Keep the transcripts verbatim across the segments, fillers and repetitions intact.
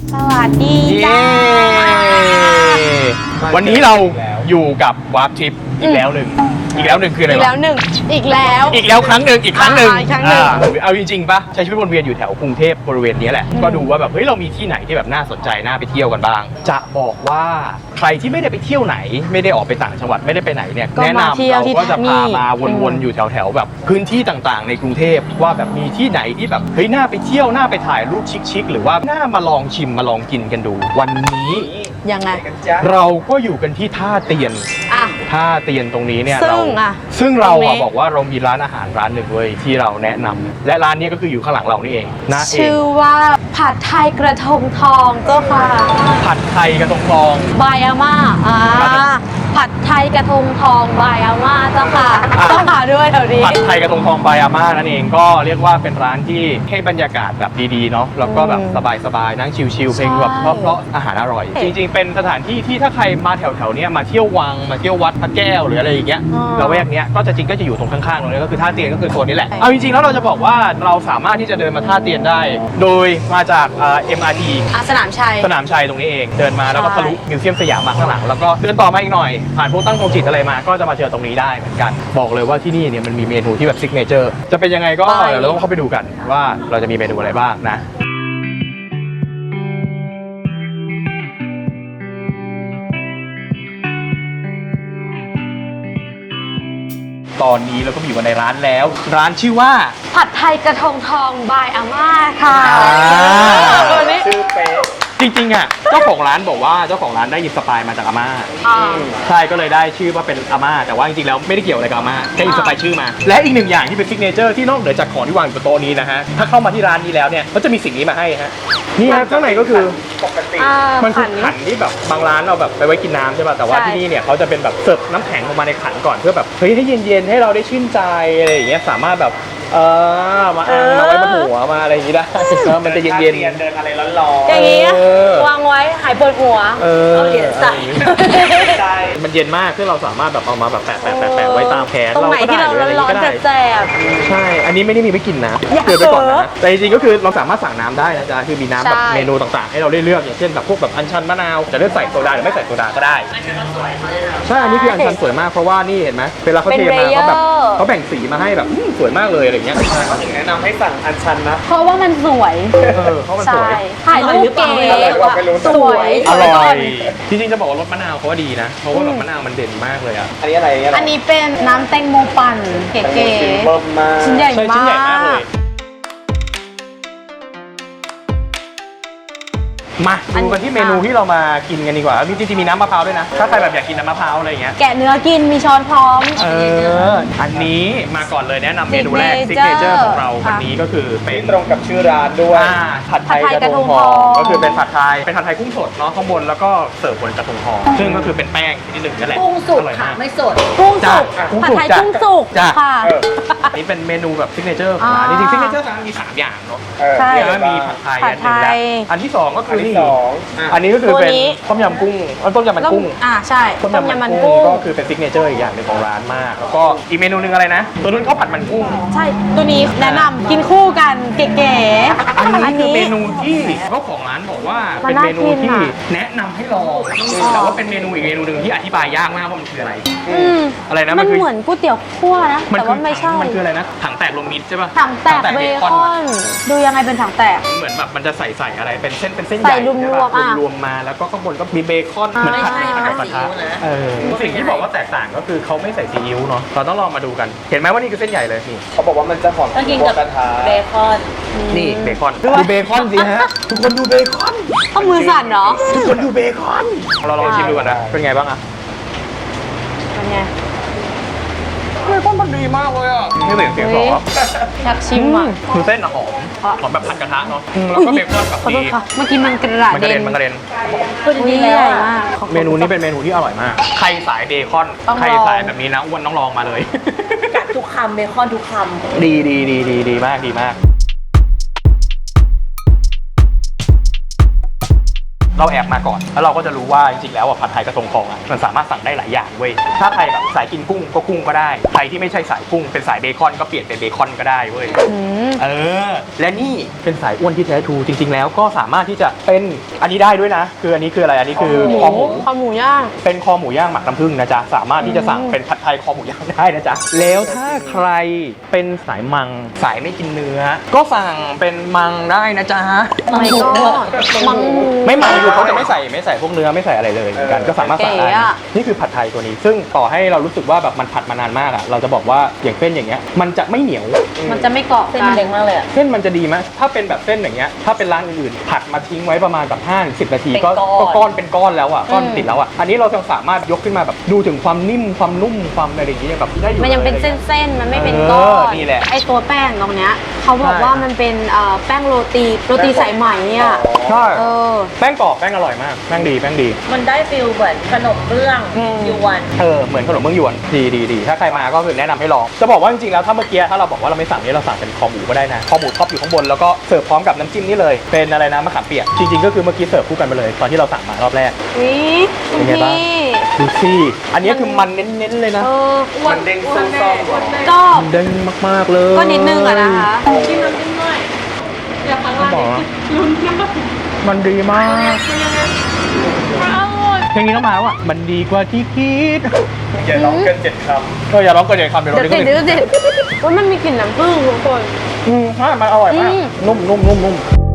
สวัสดีจ้าวันนี้เราอยู่กับวาร์ปทริปอีกแล้วหนึ่งอีกแล้วหนึ่งคืออะไรวะอีกแล้วหนึ่งอีกแล้วอีกแล้วครั้งหนึ่งอีกครั้งหนึ่งอีกครั้งหนึ่งเอาจริงๆปะใช้ชีวิตวนเวียนอยู่แถวกรุงเทพบริเวณนี้แหละก็ดูว่าแบบเฮ้ยเรามีที่ไหนที่แบบน่าสนใจน่าไปเที่ยวกันบ้างจะบอกว่าใครที่ไม่ได้ไปเที่ยวไหนไม่ได้ออกไปต่างจังหวัดไม่ได้ไปไหนเนี่ยแนะนำเราก็จะพามาวนๆอยู่แถวๆแบบพื้นที่ต่างๆในกรุงเทพว่าแบบมีที่ไหนที่แบบเฮ้ยน่าไปเที่ยวน่าไปถ่ายรูปชิคๆหรือว่าน่ามาลองชิมมาลองกินกันดูวันนี้ยังไงเราก็อยู่กันที่ท่าเตียนอ่ะท่าเตียนตรงนี้เนี่ยซึ่งเราอ่ะซึ่งเราอะบอกว่าเรามีร้านอาหารร้านหนึ่งเว้ยที่เราแนะนำและร้านนี้ก็คืออยู่ข้างหลังเรานี่เองนะเองชื่อว่าผัดไทยกระทงทองเจ้าค่ะผัดไทยกระทงทองบายอาม่าอ่าผัดไทยกระทงทองบายอาม่าเจ้าค่ะต้องหาด้วยแถวนี้ผัดไทยกระทงทองบายอาม่านั่นเองก็เรียกว่าเป็นร้านที่ให้บรรยากาศแบบดีๆเนาะแล้วก็แบบสบายๆนั่งชิลๆเพลงแบบเพราะๆอาหารอร่อยจริงๆเป็นสถานที่ที่ถ้าใครมาแถวๆนี้มาเที่ยววังมาเที่ยววัดพระแก้วหรืออะไรอย่างเงี้ยเราแวกเนี้ยก็จะจริงก็จะอยู่ตรงข้างๆตรงนี้ก็คือท่าเตียนก็คือโซนนี้แหละเอาจริงๆแล้วเราจะบอกว่าเราสามารถที่จะเดินมาท่าเตียนได้โดยมาจากเอ็มอาร์ทีสนามชัยสนามชัยตรงนี้เองเดินมาแล้วก็ทะลุมิวเซียมสยามมาข้างหลังแล้วก็เดินต่อมาอีกหน่อยผ่านพวกตั้งโรงจิตอะไรมาก็จะมาเจอตรงนี้ได้เหมือนกันบอกเลยว่าที่นี่เนี่ยมันมีเมนูที่แบบซิกเนเจอร์จะเป็นยังไงก็เดี๋ยวเราต้องเข้าไปดูกันว่าเราจะมีเมนูอะไรบ้างนะตอนนี้เราก็อยู่กันในร้านแล้วร้านชื่อว่าผัดไทยกระทงทองบายอาม่าค่ะตัวนี้ชื่อเป๊ะจริงๆอ่ะเจ้าของร้านบอกว่าเจ้าของร้านได้อินสปายมาจากอาม่าใช่ก็เลยได้ชื่อว่าเป็นอาม่าแต่ว่าจริงๆแล้วไม่ได้เกี่ยวอะไรกับอาม่าแค่อินสปายชื่อมาและอีกหนึ่งอย่างที่เป็นซิกเนเจอร์ที่นอกเหนือจากของที่วางอยู่บนโต๊ะนี้นะฮะถ้าเข้ามาที่ร้านนี้แล้วเนี่ยก็จะมีสิ่งนี้มาให้ฮะนี่ฮะข้างในก็คือปกติมันคือขันที่แบบบางร้านเราแบบไปไว้กินน้ำใช่ป่ะแต่ว่าที่นี่เนี่ยเขาจะเป็นแบบเสิร์ฟน้ำแข็งลงมาในขันก่อนเพื่อแบบเฮ้ยให้เย็นๆให้เราได้ชื่นใจอะไรอย่างเงี้ยสามารถแบบเออมาอ่างมาไว้บนหัวมาอะไรอย่างงี้ได้มันจะเย็นๆเดินอะไรร้อนๆอย่างงี้วางไว้หายปวดหัวเอาเหรียญใส่มันเย็นมากที่เราสามารถแบบเอามาแบบแปะแปะแปะแปะไว้ตามแขนเราก็ได้หรืออะไรก็ได้แซ่บใช่อันนี้ไม่ได้มีไม่กินนะเตือนไปก่อนนะแต่จริงๆก็คือเราสามารถสั่งน้ำได้นะจ๊ะคือมีน้ำแบบเมนูต่างๆให้เราได้เลือกอย่างเช่นแบบพวกแบบอัญชันมะนาวจะเลือกใส่โซดาหรือไม่ใส่โซดาก็ได้ใช่อันนี้คืออัญชันสวยมากเพราะว่านี่เห็นไหมเวลาเขาเทมาเขาแบบเขาแบ่งสีมาให้แบบสวยมากเลยอะไรเงี้ยเขาถึงแนะนำให้สั่งอัญชันนะเพราะว่ามันสวยเออเพราะมันสวยถ่ายรูปเก๋สวยอร่อยจริงๆจะบอกว่ารสมะนาวเขาว่าดีนะเพราะว่าแบบมะนาวมันเด่นมากเลยอ่ะอันนี้อะไรอันนี้เป็นน้ำแตงโมปั่นเก๋ๆชิ้นใหญ่มากมาดูกันที่เมนูที่เรามากินกันดีกว่ามีจริงๆมีน้ำมะพร้าวด้วยนะถ้าใครแบบอยากกินน้ำมะพร้าวอะไรอย่างเงี้ยแกะเนื้อกินมีช้อนพร้อมเอออันนี้มาก่อนเลยแนะนำเมนูแรกซิกเนเจอร์ของเราวันนี้ก็คือเป็นตรงกับชื่อร้านด้วยผัดไทยกระทงทองก็คือเป็นผัดไทยเป็นผัดไทยกุ้งสดเนาะข้างบนแล้วก็เสิร์ฟบนกระทงทองซึ่งก็คือเป็นแป้งที่หนึ่งนั่นแหละกุ้งสุกค่ะไม่สดกุ้งสุกผัดไทยกุ้งสุกค่ะนี่เป็นเมนูแบบซิกเนเจอร์ของร้านจริงๆซิกเนเจอร์ร้านมีสามอย่างเนาะใช่มีผัดไทยอันหนึ่งอันที่สองก็คือนี่อันนี้ก็คือเป็นต้มยำกุ้งต้มยำมันกุ้งอ่าใช่ต้มยำมันกุ้งก็คือเป็นซิกเนเจอร์อีกอย่างหนึ่งของร้านมากแล้วก็อีกเมนูนึงอะไรนะตัวนู้นข้าวผัดมันกุ้งใช่ตัวนี้แนะนำกินคู่กันเก๋ๆอันนี้คือเมนูที่เจ้าของร้านบอกว่าเป็นเมนูที่แนะนำให้ลองแต่ว่าเป็นเมนูอีกเมนูหนึ่งที่อธิบายยากมากว่ามันคืออะไรอะไรนะมันเหมือนก๋วยเตี๋ยวคั่วนะแต่ว่าไม่ใช่มันคืออะไรนะถังแตกรวมมิตรใช่ป่ะถังแตกเบคอนดูยังไงเป็นถังแตกเหมือนแบบมันจะใส่ใส่อะไรเป็นเส้นเป็นเส้นใหญ่รวมมาแล้วก็ข้างบนก็มีเบคอนเหมือนผัดกับกระทะเออสิ่งที่บอกว่าแตกต่างก็คือเขาไม่ใส่ซีอิ๊วเนาะเราต้องลองมาดูกันเห็นไหมว่านี่คือเส้นใหญ่เลยนี่เขาบอกว่ามันจะหอมกินกับกระทะเบคอนนี่เบคอนดูเบคอนสิฮะทุกคนดูเบคอนต้องมือสั่นเนาะทุกคนดูเบคอนเราลองชิมดูกันนะเป็นไงบ้างอะเป็นไงเบคอนมันดีมากเลยอ่ะไม่เหมือนเสียงหรออยากชิมอ่ะคือเส้นหอมหอมแบบผัดกระทะเนาะแล้วก็เบคอนแบบดีเมื่อกี้มันกระเด็นมันกระเด็นตัวนี้ใหญ่มากเมนูนี้เป็นเมนูที่อร่อยมากใครสายเบคอนใครสายแบบนี้นะอ้วนต้องลองมาเลยกัดทุกคำเบคอนทุกคำดีดีดีดีดีมากดีมากเราแอบมาก่อนแล้วเราก็จะรู้ว่าจริงๆแล้วอ่ะผัดไทยกระทงทองอ่ะมันสามารถสั่งได้หลายอย่างเว้ยถ้าใครแบบสายกินกุ้งก็กุ้งก็ได้ใครที่ไม่ใช่สายกุ้งเป็นสายเบคอนก็เปลี่ยนเป็นเบคอนก็ได้เว้ยอืมเออและนี่เป็นสายอ้วนที่แท้ทรูจริง ๆ แล้วก็สามารถที่จะเป็นอันนี้ได้ด้วยนะ คืออันนี้คืออะไรอันนี้คือคอหมูคอหมูย่างเป็นคอหมูย่างหมักน้ำผึ้งนะจ๊ะสามารถที่จะสั่งเป็นผัดไทยคอหมูย่างได้นะจ๊ะแล้วถ้าใครเป็นสายมังสายไม่กินเนื้อ ก็สั่งเป็นมังได้นะจ๊ะไม่ก็มังไม่มังอยู่เขาจะไม่ใส่ไม่ใส่พวกเนื้อไม่ใส่อะไรเลยเหมือนกันก็สามารถสั่งได้เก๋อะนี่คือผัดไทยตัวนี้ ซึ่งต่อให้เรารู้สึกว่าแบบมันผัดมานานมากอ่ะเราจะบอกว่าอย่างเส้นอย่างเงี้ยมันจะไม่เหนียวมันจะไม่เกาะเส้นกันเล็กมากเลยอะเส้นมันจะดีไหมถ้าเป็นแบบเส้นอย่างเงี้ยถ้าเป็นร้านอื่นๆผัดมาทิ้งไว้ประมาณแบบห้าถึงสิบนาทีก็เป็นก้อนก็ก้อนเป็นก้อนแล้วอ่ะก้อนติดแล้วอ่ะอันนี้เราจะสามารถยกขึ้นมาแบบดูถึงความนิ่มความนุ่มความอะไรอย่างเงี้ยแบบได้อยู่มันยังเป็นลเส้นๆ มันไม่เป็นเออก้อนนี่แหละไอตัวแป้งตรงเนี้ยเขาบอกใช่ว่ามันเป็นเอ่อแป้งโรตีโรตีสายไหมเนี่ยใช่เออแป้งกรอบแป้งอร่อยมากแป้งดีแป้งดีมันได้ฟิลเหมือนขนมเบื้องอืมยวนเออเหมือนขนมเบื้องยวนดีดีดีถ้าใครมาก็คือแนะนำให้ลองจะบอกว่าจริงๆแล้วถ้าเมื่อกี้ถ้าเราบอกว่าเราไม่สั่งนี้เราสั่งเป็นคอหมูก็ได้นะคอหมูท็อปอยู่ข้างบนแล้วก็เสิร์ฟพร้อมกับน้ำจิ้มนี่เลยเป็นอะไรนะมะขามเปียกจริงๆก็คือเมื่อกี้เสิร์ฟคู่กันไปเลยตอนที่เราสั่งมารอบแรกวิคุณเป็นไงบ้างพี่ดูสิอันนี้คือมันเน้นๆเลยนะเออมันเด้งส้มๆก็มันเด้งมากๆเลยก็นิดนึงอะนะคะจิ้มน้ำจิ้มหน่อยอย่าพังต้องบอกว่ามันดีมากเพลงนี้ต้องมาแล้วอ่ะมันดีกว่าที่คิดอย่าร้องเกินเจ็ดคำเอออย่าร้องเกินเจ็ดคำเดี๋ยวเราเดี๋ยวได้ติดก็เดี๋ยวติดว่ามันมีกลิ่นน้ำผึ้งทุกคนอืมใช่มันอร่อยมากอืมนุ่มนุ่มนุ่มนุ่ม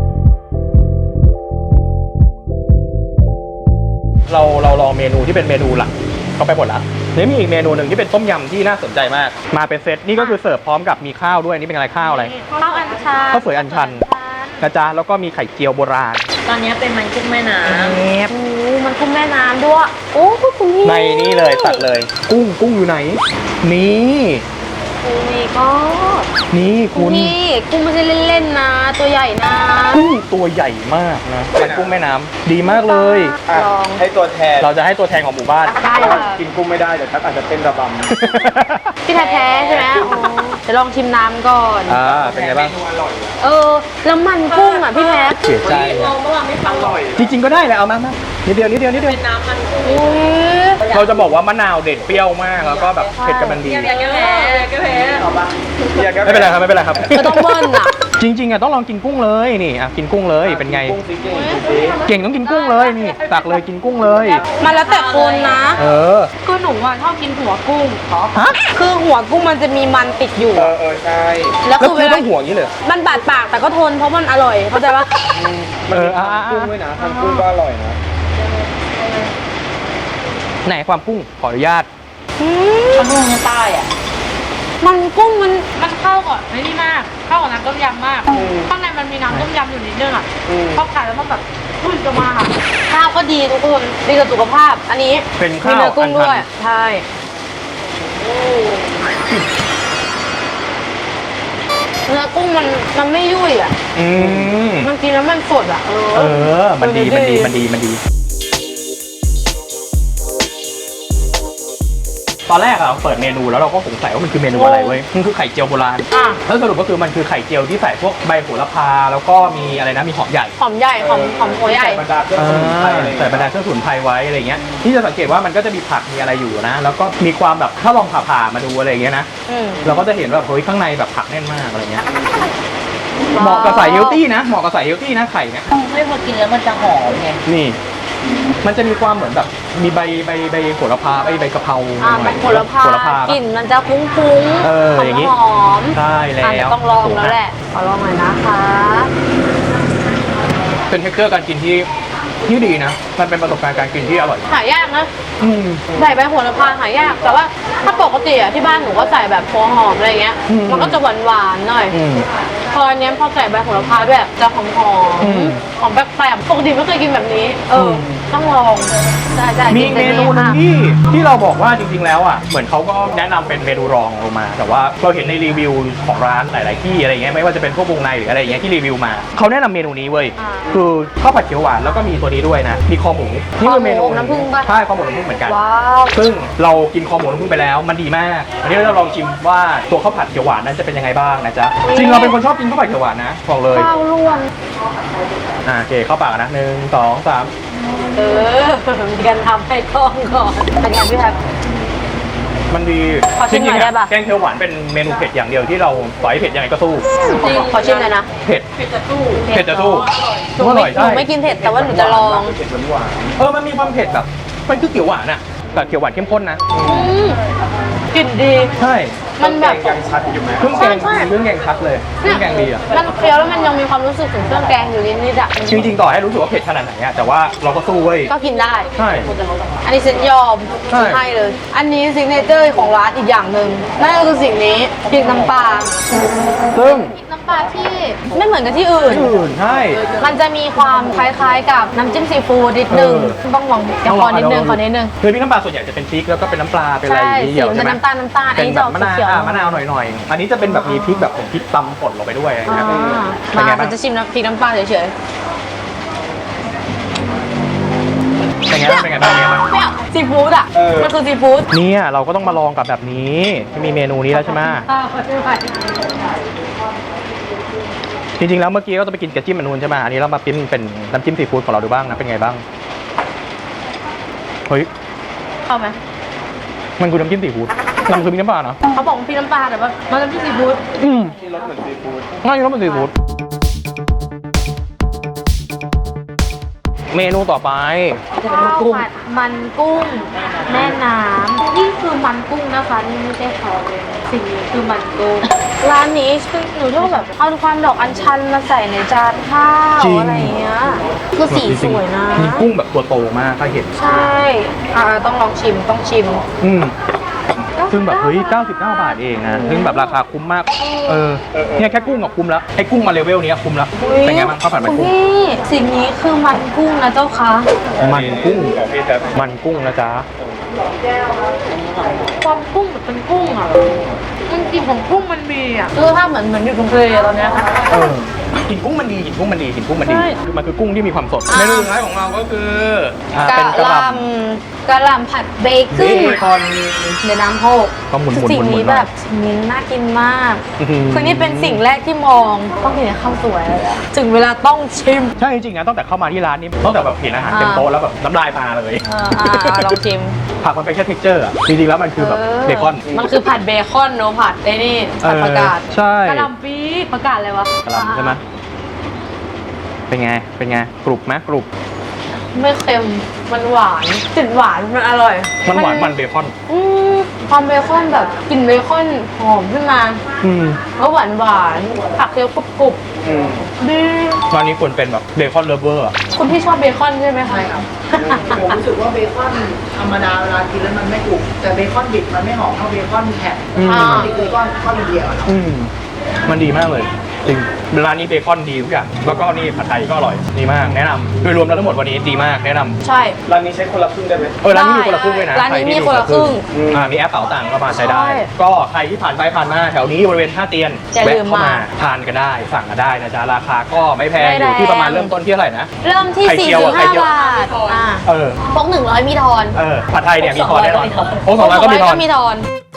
เราเราลองเมนูที่เป็นเมนูหลักเขาไปหมดละนี่มีอีกเมนูหนึ่งที่เป็นต้มยำที่น่าสนใจมาก มาเป็นเซตนี่ก็คือเสิร์ฟพร้อมกับมีข้าวด้วยนี่เป็นอะไรข้าวอะไรข้าวอัญชันข้าวสวยอัญชันนะจ๊ะแล้วก็มีไข่เจียวโบราณตอนนี้เป็นมันกุ้งแม่น้โอ้มันคุ้มแม่น้ำด้วย โอ้คุณพี่ในนี่เลยตัดเลย กุ้งกุ้งอยู่ไหน นี่โอ้ยก็นี่คุคุณ ณพี่กุ้งไม่ใช่เล่นๆนะ ตัวใหญ่นะกุ้งตัวใหญ่มากนะเป็นกุ้งแม่น้ำดีมากเลยอ่ะลองให้ตัวแทนเราจะให้ตัวแทนของหมู่บ้านได้ค่ะกินกุ้งไม่ได้เดี๋ยวทักอาจจะเต้นระบำพี่แท้ๆใช่ไหมอ๋อเดี๋ยวลองชิมน้ำก่อนอ่าเป็นไงบ้างเออ แล้วมันกุ้งอ่ะพี่แท้เสียใจำมองเมื่อวานไม่ฟังหรอกจริง ๆ ก็ได้แหละเอามามานิดเดียวนิดเดียวนิดเดียวเป็นน้ำมันกุ้งอุ้ยเราจะบอกว่ามะนาวเด็ดเปรี้ยวมากแล้วก็แบบเผ็ดกำลังดีอยากแก้แพ้อยากแก้แพ้เอาปะไม่เป็นไรครับไม่เป็นไรครับก็ต้องเบิ้ลอ่ะจริงๆอ่ะต้องลองกินกุ้งเลยนี่อ่ะกินกุ้งเลยเป็นไงกุ้งซิเก่งดูสิเก่งต้องกินกุ้งเลยนี่ตักเลยกินกุ้งเลยมันแล้วแต่คนนะเออคือหนูอ่ะชอบกินหัวกุ้งฮะคือหัวกุ้งมันจะมีมันติดอยู่เออเออใช่แล้วแล้วคือคืเวอลาต้องห่วงอย่างนี้เลยมันบาดปากแต่ก็ทนเพราะมันอร่อยเข้าใจปะมันเอมีออ่ะอ่ะทำกุ้งด้วยนะทำกุ้งก็อร่อยนะไหนความกุ้งขออนุญาตอืมข้างนอกใต้อ่ะมันกุ้งมันมันเข้าก่อนไม่นี่มาก เข้ากับน้ำต้มยำมาก ข้างในมันมีน้ำต้มยำอยู่นิดนึงอ่ะอืมพอกัดแล้วมันแบบพุ่งจะมาค่ะข้าวก็ดีทุกคนดีกับสุขภาพ อันนี้เป็นมีข้าวเนื้อกุ้งด้วยอันชันใช่เนื้อกุ้งมันมันไม่ยุ่ยอ่ะอืมมันกินแล้วมันสดอ่ะเออเออ มันดี มันดี มันดี มันดี ตอนแรกอะเราเปิดเมนูแล้วเราก็สงสัยว่ามันคือเมนูอะไรเว้ย มันคือไข่เจียวโบราณอ่ะแล้วสรุปก็คือมันคือไข่เจียวที่ใส่พวกใบโหระพา แล้วก็มีอะไรนะ มีหอมใหญ่หอมใหญ่หอมหอมหัวใหญ่บรรดาเครื่องสมุนไพรอะไรอย่างใส่เงี้ยบรรดาเครื่องสมุนไพรไว้อะไรเงี้ย ที่จะสังเกตว่ามันก็จะมีผักมีอะไรอยู่นะ แล้วก็มีความแบบถ้าลองผ่าๆมาดูอะไรอย่างเงี้ยนะอืมเราก็จะเห็นว่าเฮ้ยข้างในแบบผักแน่นมากอะไรเงี้ย เหมาะกับสายเฮลตี้นะ เหมาะกับสายเฮลตี้นะไข่เนี่ยไม่พอกินแล้วมันจะหอมไงนี่ มันจะมีความเหมือนแบบมีใบใบใบโหระพาใบใบกะเพราอ่าหน่มัอยนโหระพาโหระพากลิ่นมันจะฟุ้งๆเอออย่างงี้หอมๆใช่แล้อ่ะเดี๋ยววต้องลองแล้วแหละ ขอลองหน่อยนะคะเป็นเทคเจอร์การกินที่ที่ดีนะ มันเป็นประสบการณ์การกินที่อร่อยหายากนะอืมใส่ใบโหระพาหายาก แต่ว่าถ้าปกติอ่ะที่บ้านหนูก็ใส่แบบหัวหอมอะไรเงี้ยอืมมันก็จะหวานหวานๆหน่อยอืมพออันเนี้ยพอใส่ใบโหระพาด้วยจะหอมหออืมมหอมแปลกๆปกติไม่เคยกินแบบนี้ เอออมต้องลองใช่ใช่มีกิเมแต่นูหนึงค่ะที่ที่เราบอกว่าจริงๆแล้วอ่ะเหมือนเขาก็แนะนำเป็นเมนูรองลงมา แต่ว่าเราเห็นในรีวิวของร้านหลาย ๆ ที่อะไรเงี้ยไม่ว่าจะเป็นพวกวงในหรืออะไรเงี้ยที่รีวิวมาเขาแนะนำเมนูนี้เว้ยอ่าคือข้าวผัดเขียวหวานแล้วก็มีตัวนี้ด้วยนะมีคอหมูนี่คือเมนูคอหมูน้ำผึ้งปะใช่คอหมูน้ำผึ้งเหมือนกันว้าวซึ่งเรากินคอหมูน้ำผึ้งไปแล้วมันดีมากวันนี้เราจะลองชิมว่าตัวข้าวผัดเขียวหวานนั้นจะเป็นยังไงบ้างนะจ๊ะจริงเราเป็นคนชอบกินข้าวผัดเขียวหวานนะบอกเลยข้าวล้วนอ่าโอเคเข้าปากนะหนึ่งสองสามเออมีการทำให้กล้องก่อนเป็นไงพี่แท็กมันดีขอชิมหน่อยได้ปะแกงเขียวหวานเป็นเมนูเผ็ดอย่างเดียวที่เราต่อยเผ็ดยังไงก็สู้จริงขอชิมหน่อยนะเผ็ดเผ็ดจะตู้เผ็ดจะสู้หนูอไม่ร่อยหนูใช่ไม่กินเผ็ดแต่ว่าหนูจะลองเผ็ดหวานเออมันมีความเผ็ดแบบมันคือเขียวหวานอะแต่เขียวหวานเข้มข้นนะอืมกลิ่นดีใช่ๆมันแบบแกงยังชัดอยู่ไหมเครื่องแกงใช่ใช่เครื่องแกงชัดเลยเครื่องแกงดีอะมันเคี้ยวแล้วมันยังมีความรู้สึกถึงเครื่องแกงอยู่นิดๆอ่ะจริงๆต่อให้รู้สึกว่าเผ็ดขนาดไหนอะแต่ว่าเราก็สู้เว้ยก็กินได้ใช่อันนี้เซ็นยอมใช่ให้เลย อันนี้ซิกเนเจอร์ของร้านอีกอย่างหนึ่งนั่นก็คือสิ่งนี้พริกน้ำปลาซึ่งพริกน้ำปลาที่ไม่เหมือนกับที่อื่นอื่นใช่มันจะมีความคล้ายๆกับน้ำจิ้มซีฟู้ดนิดนึงเออต้องลองเดี๋ยวขอนิดนึงขอนิดนึงคือพริกน้ำปลาส่วนใหญ่จะเป็นพริกแล้วก็เป็นน้ำปลาเป็นอะไรใช่อย่างนี้เดียวสีใช่มันไหมน้ำตาลน้ำตาลอันเป็นนี้แบจะอบ อกมะนาวเขียวอ่ะมะนาวหน่อยๆ อันนี้จะเป็นแบบมีพริกแบบผมพริกตำป่นลงไปด้วยอะไรอย่างอ่าเงี้ยเป็นมาไงมับ้างนจะชิมน้ำพริกน้ำปลาเฉยเป็นไงบ้างเป็นไงบ้างเป็นไงบ้างๆไม่เอาซีฟู้ดอ่ะ มันคือซีฟู้ดเนี่ยเราก็ต้องมาลองกับแบบนี้ที่มีเมนูนี้แล้วใช่ไหมจริงๆแล้วเมื่อกี้ก็จะไปกินกระจิ้มอันนูนใช่ไหมอันนี้เรามาปิ้นเป็นน้ำจิ้มซีฟู้ดของเราดูบ้างนะเป็นไงบ้างเฮ้ยเข้าไหมมันคือน้ำจิ้มซีฟู้ดน้ำคือมีน้ำปลาเนาะเขาบอกว่าพริกน้ำปลาแต่ว่ามันน้ำจิ้มซีฟู้ดอืมที่รสเหมือนซีฟู้ดง่ายรสมันซีฟู้ดเมนูต่อไปข้าวผัดมันกุ้งแม่น้ำนี่คือมันกุ้งนะคะนี่ไม่ใช่เขาเลยสิ่งนี้คือมันกุ้งร้านนี้คือหนูชอบแบบเอาความดอกอัญชันมาใส่ในจานข้าวจริงอะไรอย่างเงี้ยคือสีสวยนะมีกุ้งแบบตัวโตมากถ้าเห็นใช่อ่าต้องลองชิมต้องชิมอืมซึ่งแบบเฮ้ยเก้าสิบเก้าบาทเองนะซึ่งแบบราคาคุ้มมาก เออเนี่ยแค่กุ้งก็คุ้มแล้วไอ้กุ้งมาเลเวลเนี้ยคุ้มแล้วเป็นไงบ้างข้าวผัดมันคุณกุ้งพี่สิ่งนี้คือมันกุ้งนะเจ้าคะมันกุ้งของพี่แท็บมันกุ้งนะจ๊ะความกุ้งแบบเป็นกุ้งอ่ะมันกลิ่นของกุ้งมันมีอ่ะคือถ้าเหมือนเหมือนอยู่ตรงทะเลตอนเนี้ยค่ะเออกลิ่นกุ้งมันดีกลิ่นกุ้งมันดีกลิ่นกุ้งมันดีใช่คือมันคือกุ้งที่มีความสดอ่าเมนูสุดท้ายของเราก็คืออ่ากะเป็นกระหหล่ล่ำกะหล่ำผัดเบำคอนเบคอนในน้ำโพกก็หมุนๆคือสิ่งหมุนี้นๆหน่อยแบบสิ่งนี้น่ากินมากอื้อหือคือนี่เป็นสิ่งแรกที่มองต้องกินกับข้าวสวยเลยอะถึงเวลาต้องชิมใช่จริงๆนะตั้งแต่เข้ามาที่ร้านนี้ตั้งแต่แบบเห็นอาหารอ่าเต็มโต๊ะแล้วแบบน้ำลายมาเลยเอออ่าลองชิมผักมันเป็นแค่ texture อะจริงๆแล้วมันคือแบบเบคอนมันคือผัดเบคอนโนผัดไอ้นี่ผัดประกาศใช่กระหล่ำปีประกาศเลยวะกระหล่ำใช่ไหมเป็นไง เป็นไง กรุบไหมกรุบไม่เค็มมันหวานติดหวานมันอร่อยมันหวานมันเบคอนอืมความเบคอนแบบกลิ่นเบคอนหอมขึ้นมาอืมแล้วหวานหวานผักเคี้ยวกรุบกรุบอืมดีร้านนี้ควรเป็นแบบเบคอนเลเวอร์คุณพี่ชอบเบคอนใช่ไหมคะใช่ครับ ผมรู้สึกว่าเบคอนธรรมดาเวลากินแล้วมันไม่กรุบแต่เบคอนดิบมันไม่หอมเท่าเบคอนแผ่นอืมอ่านี่คือก้อนก้อนเดียวอะเนาะอืม มันดีมากเลย จริง ร้านนี้เบคอนดีทุกอย่าง แล้วก็นี่ผัดไทยก็อร่อย ดีมาก แนะนำโดยรวมแล้วทั้งหมดวันนี้ดีมาก แนะนำใช่ร้านนี้ใช้คนละครึ่งได้ไหมเออ ร้านนี้มีคนละครึ่งด้วยนะร้านนี้ใที่มีคนละครึ่งอ่า มีแอปเป๋าตังค์ก็มาใช้ได้ใช่ก็ใครที่ผ่านไปผ่านมาแถวนี้บริเวณท่าเตียนอย่าลืแวะมเข้ามามาทานกันได้ สั่งกันได้นะจ๊ะ ราคาก็ไม่แพงไม่อแรงยู่ที่ประมาณเริ่มต้นที่เท่าไหร่นะเริ่มที่ไข่เจียวอะไข่สี่สิบห้าเจียวบาทอ่าเออพกหนึ่งร้อยมีทอนเออ ผัดไทยเนี่ยมีทอนแน่นอนพกโอ้สองร้อยก็มีทอนมีทอน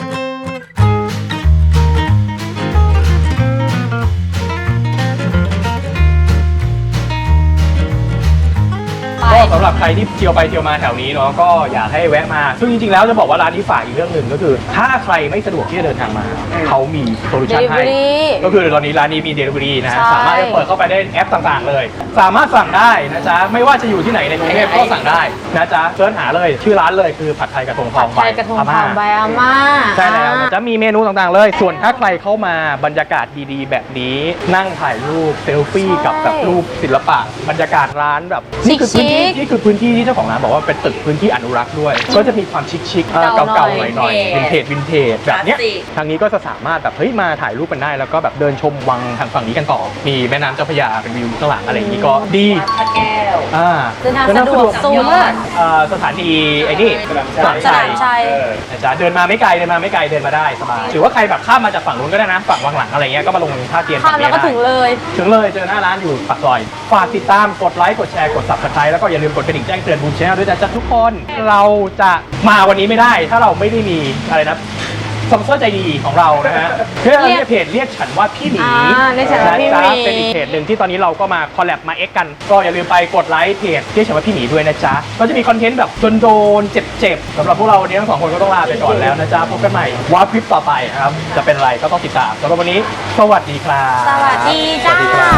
ก็สำหรับใครที่เที่ยวไปเที่ยวมาแถวนี้เนาะก็อยากให้แวะมา ซึ่งจริงๆแล้วจะบอกว่าร้านนี้ฝากอีกเรื่องหนึ่งก็คือ ถ้าใครไม่สะดวกที่จะเดินทางมา เขามีโซลูชันให้ Delivery ก็คือตอนนี้ร้านนี้มี Delivery นะฮะใช่สามารถจะเปิดเข้าไปได้แอปต่างๆเลย สามารถสั่งได้นะจ๊ะไม่ว่าจะอยู่ที่ไหนในกรุงเทพก็สั่งได้นะจ๊ะเสิร์ชหาเลยชื่อร้านเลยคือผัดไทยกระทงทผัอดงไทยกระทงทองใบอาม่าใช่แล้วนะจะมีเมนูต่างๆเลย ส่วนถ้าใครเข้ามาบรรยากาศดีๆ แบบนี้ นั่งถ่ายรูปเซลฟี่กับแบบรูปศิลปะ บรรยากาศร้านแบบนี่คือพื้นที่นี่คือพื้นที่ที่เจ้าของร้านบอกว่าเป็นตึกพื้นที่อนุรักษ์ด้วย ก็จะมีความชิคๆเอ่อเก่าๆหน่อยๆวินเทจวินเทจแบบเนี้ยทางนี้ก็จะสามารถแบบเฮ้ยมาถ่ายรูปกันได้แล้วก็แบบเดินชมวังทางฝั่งนี้กันต่อ มีแม่น้ำเจ้าพระยาเป็นวิวข้างหลังอะไรอย่างนี้ก็ดีพระแก้วอ่าเดินทางสะดวกสูงมากเอ่อสถานีไอ้นี่สนามชัยสนามชัยเออนะจ๊ะเดินมาไม่ไกลเดินมาไม่ไกลเดินมาได้สบายหรือว่าใครแบบข้ามมาจากฝั่งนู้นก็ได้นะฝั่งวังหลังอะไรเงี้ยก็มาลงท่าเตียนข้ามแล้วก็ฝั่ถึงเลยถึงเลยเจอหน้าร้านอยู่ปากซอยฝากติดตามกดไลค์กดแชร์กด Subscribe แล้วก็อย่าลืมกดกระดิ่งแจ้งเตือนบูมชแนลด้วยนะจ๊ะทุกคนเราจะมาวันนี้ไม่ได้ ถ้าเราไม่ได้มีอะไรนะสปอนเซอร์ใจดีของเรานะฮะเพื่อเรียกเพจเรียกฉันว่าพี่หมีอ่าเรียกฉันว่าพี่หมีะจ๊ะเป็นอีกเพจหนึ่งที่ตอนนี้เราก็มาคอลแลบมาเอ็กกัน ก็อย่าลืมไปกดไลค์เพจเรียกฉันว่าพี่หมีด้วยนะจ๊ะก็จะมีคอนเทนต์แบบโดนๆเจ็บๆสำหรับพวกเราวันนี้ทั้งสองคนก็ต้องลาไปก่อนแล้วนะจ๊ะพบกันใหม่ว่าคลิปต่อไปครับจะเป็นอะไรก็ต้องติดตามสำหรับวันนี้สวัสดีครับสวัสดีจ้าสวัสดีครับ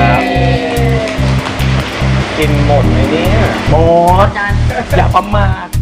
กินหมดไหมเนี่ยหมดอย่าประมาท